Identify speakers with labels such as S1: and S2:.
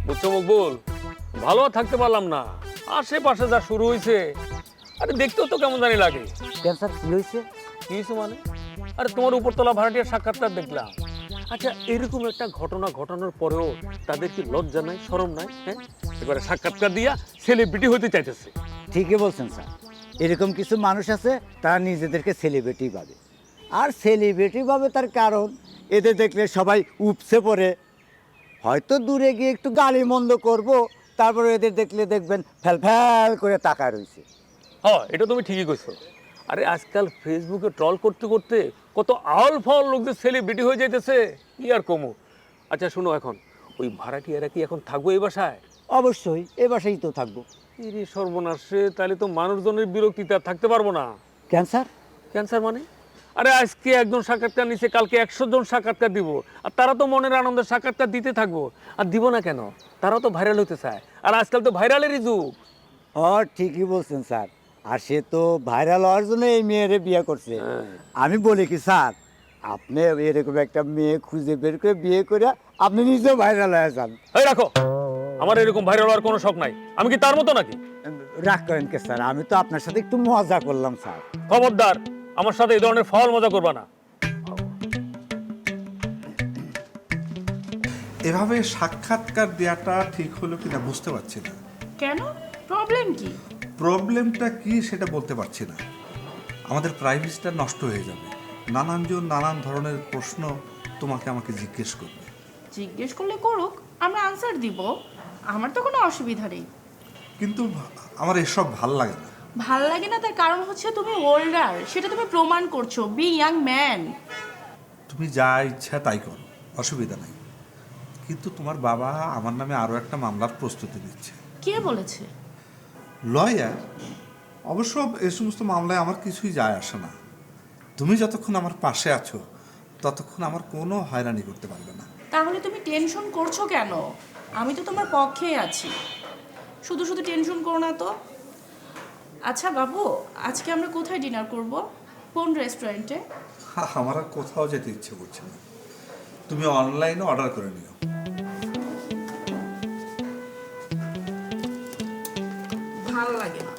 S1: বুঝছো মকবুল, ভালো আর থাকতে পারলাম না। আশেপাশে যা শুরু হয়েছে, আরে দেখতেও তো কেমন জানি লাগে।
S2: কেন স্যার কি হয়েছে?
S1: কি হয়েছে মানে? আরে তোমার উপরতলা ভাড়াটিয়ার সাক্ষাৎকার দেখলাম। আচ্ছা, এরকম একটা ঘটনা ঘটানোর পরেও তাদের কি লজ্জা নাই, শরম নাই? হ্যাঁ, এবারে সাক্ষাৎকার দিয়া সেলিব্রিটি হইতে চাইতেছে।
S2: ঠিকই বলছেন স্যার, এরকম কিছু মানুষ আছে তারা নিজেদেরকে সেলিব্রিটি ভাবে। আর সেলিব্রিটি ভাবে তার কারণ এদের দেখলে সবাই উপসে পড়ে। হয়তো দূরে গিয়ে একটু গালি মন্দ করবো, তারপরে এদের দেখলে দেখবেন ফ্যাল ফ্যাল করে তাকায় রয়েছে।
S1: হ্যাঁ, এটা তুমি ঠিকই কইছো। আরে আজকাল ফেসবুকে ট্রল করতে করতে কত আউল ফাউল লোকদের সেলিব্রিটি হয়ে যাইতেছে, কি আর কমু। আচ্ছা শুনো, এখন ওই ভাড়াটিয়ারা কি এখন থাকবো এই বাসায়?
S2: অবশ্যই এ বাসায় তো থাকবো।
S1: ইরে সর্বনাশে, তাহলে তো মানুষজনের বিরক্তিতে আর থাকতে পারবো না।
S2: ক্যান্সার?
S1: ক্যান্সার মানে? আরে আজকে একজন সাক্ষাৎকার নিচ্ছে, কালকে 100 জন সাক্ষাৎকার দিব। আর তারা তো মনের আনন্দে সাক্ষাৎকার দিতে থাকবো। আর দিব না কেন? তারাও তো ভাইরাল হতে চায়। আর আজকাল তো ভাইরালেরই যুগ।
S2: ঠিকই বলছেন স্যার। আর সে তো ভাইরাল হওয়ার জন্য এই মেয়েরে বিয়ে করছে। আমি বলি কি স্যার, আপনি এরকম একটা মেয়ে খুঁজে বের করে বিয়ে করে আপনি নিজেও ভাইরাল হয়ে যান।
S1: এই রাখো, আমার এরকম ভাইরাল হওয়ার কোনো শখ নাই। আমি কি তার মতো নাকি?
S2: রাগ করেন কে স্যার, আমি তো আপনার সাথে একটু মজা করলাম স্যার।
S1: খবরদার, আমার সাথে এই ধরনের ফাউল মজা করবা না।
S3: এভাবে সাক্ষাৎকার দেওয়াটা ঠিক হলো কিনা বুঝতে পারছি না।
S4: কেন? প্রবলেম কি?
S3: প্রবলেমটা কি সেটা বলতে পারছি না। আমাদের প্রাইভেসিটা নষ্ট হয়ে যাবে। নানানজন নানান ধরনের প্রশ্ন তোমাকে আমাকে জিজ্ঞেস করবে।
S4: জিজ্ঞেস করলে করুক, আমরা আনসার দিব। আমার তো কোনো অসুবিধা নেই।
S3: কিন্তু আমার এসব ভাল লাগে না।
S4: ভাল লাগে না তার কারণ হচ্ছে তুমি ওল্ডার, সেটা তুমি প্রমাণ করছো। Be young man.
S3: তুমি যা ইচ্ছা তাই করো, অসুবিধা নাই। কিন্তু তোমার বাবা আমার নামে আরও একটা মামলার প্রস্তুতি নিচ্ছে।
S4: কে বলেছে?
S3: লয়ার। অবশ্য এই সমস্ত মামলায় আমার কিছুই যায় আসে না। তুমি যতক্ষণ আমার পাশে আছো ততক্ষণ আমার কোনো হয়রানি করতে পারবে না।
S4: তাহলে তুমি টেনশন করছো কেন? আমি তো তোমার পক্ষেই আছি। শুধু শুধু টেনশন করো না তো। আচ্ছা বাবু, আজকে আমরা কোথায় ডিনার করব? কোন রেস্টুরেন্টে?
S3: আমার আর কোথাও যেতে ইচ্ছে করছে না। তুমি অনলাইনে অর্ডার করে নিও।
S4: ভালো লাগে না।